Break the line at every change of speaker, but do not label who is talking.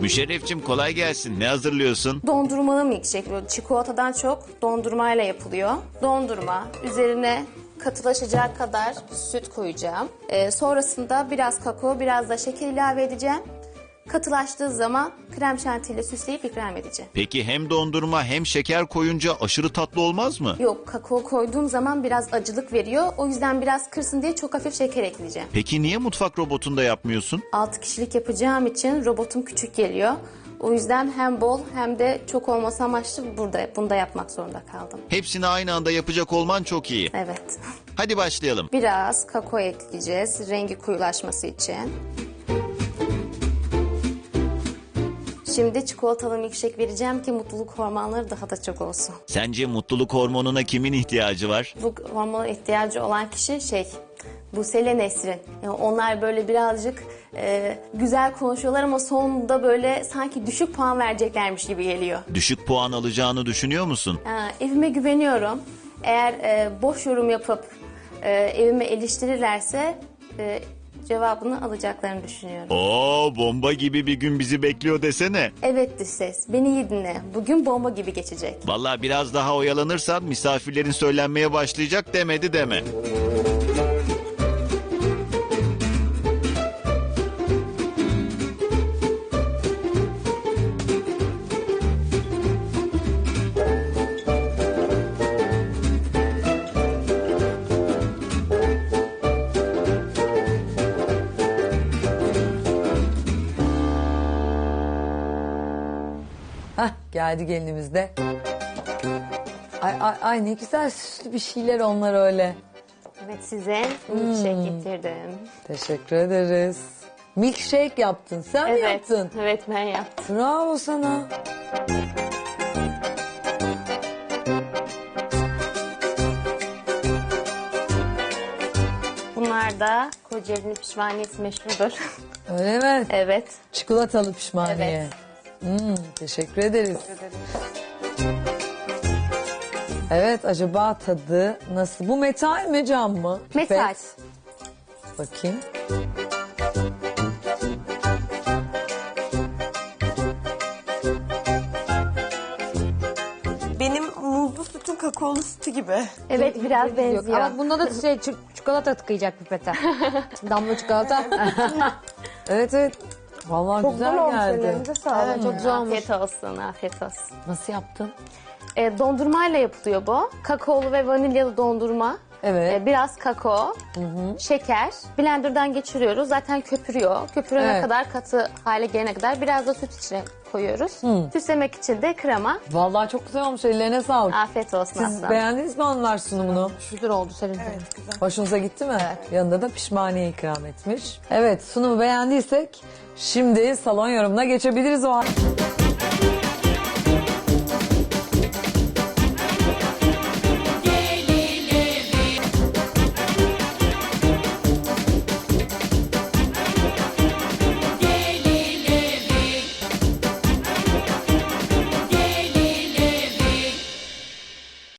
Müşerrefçim kolay gelsin. Ne hazırlıyorsun?
Dondurmalı milkshake. Böyle çikolatadan çok dondurmayla yapılıyor. Dondurma, üzerine katılaşacak kadar süt koyacağım. Sonrasında biraz kakao, biraz da şeker ilave edeceğim. Katılaştığı zaman krem şantiyle süsleyip ikram edeceğim.
Peki hem dondurma hem şeker koyunca aşırı tatlı olmaz mı?
Yok, kakao koyduğum zaman biraz acılık veriyor. O yüzden biraz kırsın diye çok hafif şeker ekleyeceğim.
Peki niye mutfak robotunda yapmıyorsun?
6 kişilik yapacağım için robotum küçük geliyor. O yüzden hem bol hem de çok olması amaçlı bunda yapmak zorunda kaldım.
Hepsini aynı anda yapacak olman çok iyi.
Evet.
Hadi başlayalım.
Biraz kakao ekleyeceğiz rengi koyulaşması için. Şimdi çikolatalı milkshake vereceğim ki mutluluk hormonları daha da çok olsun.
Sence mutluluk hormonuna kimin ihtiyacı var?
Bu hormona ihtiyacı olan kişi Buse Nesrin. Yani onlar böyle birazcık güzel konuşuyorlar ama sonunda böyle sanki düşük puan vereceklermiş gibi geliyor.
Düşük puan alacağını düşünüyor musun?
Evime güveniyorum. Eğer boş yorum yapıp evime eleştirirlerse cevabını alacaklarını düşünüyorum.
Oo, bomba gibi bir gün bizi bekliyor desene.
Evet dış ses, beni iyi dinle. Bugün bomba gibi geçecek.
Vallahi biraz daha oyalanırsan misafirlerin söylenmeye başlayacak demedi deme.
Hah, geldi gelinimiz de. Ay ne güzel süslü bir şeyler onlar öyle.
Evet, size milkshake getirdim.
Teşekkür ederiz. Milkshake yaptın. Sen mi yaptın?
Evet, ben yaptım.
Bravo sana.
Bunlar da Kocaeli'nin pişmaniyesi meşhurdur.
Öyle mi?
Evet.
Çikolatalı pişmaniye.
Evet.
Teşekkür ederiz. Evet, acaba tadı nasıl? Bu metal mi, cam mı?
Metal.
Pipet. Bakayım.
Benim muzlu sütün kakaolu sütü gibi.
Evet, biraz benziyor.
Ama bunda da çikolata tıkayacak pipete. Damla çikolata.
Evet. Vallahi güzel geldi.
Evet, çok güzel olmuş.
Afiyet olsun, afiyet olsun.
Nasıl yaptın?
Dondurmayla yapılıyor bu. Kakaolu ve vanilyalı dondurma.
Evet.
Biraz kakao, şeker. Blender'dan geçiriyoruz. Zaten köpürüyor. Köpürene
Evet.
kadar, katı hale gelene kadar biraz da süt içine koyuyoruz. Süslemek için de krema.
Vallahi çok güzel olmuş. Ellerine sağlık.
Afiyet olsun
Siz
aslanım.
beğendiniz mi hanımlar sunumunu?
Güzel oldu senin.
Hoşunuza gitti mi? Yanında da pişmaniye ikram etmiş. Evet, sunumu beğendiysek şimdi salon yorumuna geçebiliriz o halde.